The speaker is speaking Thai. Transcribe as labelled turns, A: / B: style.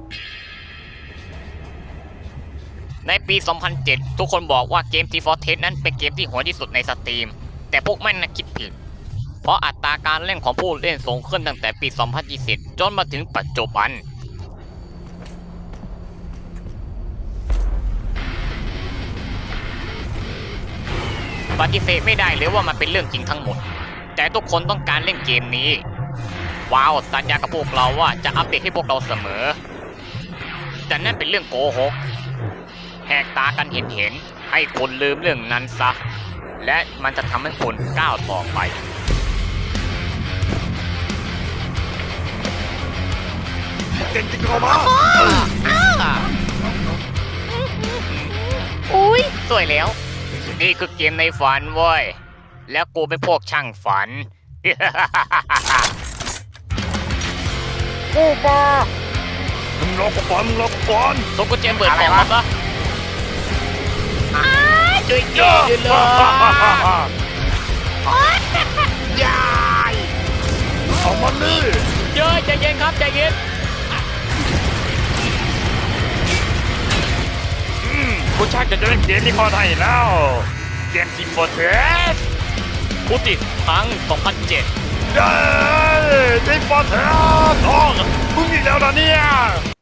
A: ในปี 2007 ทุกคนบอกว่าเกม Team Fortress นั้นเป็นเกมที่โหดที่สุดในสตรีมแต่พวกมันน่ะคิดผิดเพราะอัตราการเล่นของผู้เล่นสูงขึ้นตั้งแต่ปี 2020 จนมาถึงปัจจุบันปฏิเสธไม่ได้เลยว่ามันเป็นเรื่องจริงทั้งหมดแต่ทุกคนต้องการเล่นเกมนี้ว้าวสัญญากับพวกเราว่าจะอัปเดตให้พวกเราเสมอแต่นั่นเป็นเรื่องโกหกแหกตากันเห็นให้คนลืมเรื่องนั้นซะและมันจะทำให้คนก้าวต่อไป
B: เก่งจริงเหรอมา
A: อุ้ยสวยแล้วนี่คือเกมในฝันเว้ยแล้วกูเป็นพวกช่างฝัน
B: กูมามึงรอกูก่อน
A: ส่งกุญแจเปิดกล่องมาปะช่วยเกมด้วยเลย
B: ยายเอามันนี่
A: เยอะใจเย็นครับใจเย็น
B: กูชักจะเล่นเกมนี้พอได้แล้วเกมTeam Fortress
A: กูติดทั้ง 2007
B: เย้Team Fortress ท้องมึงอีกแล้วนะเนี่ย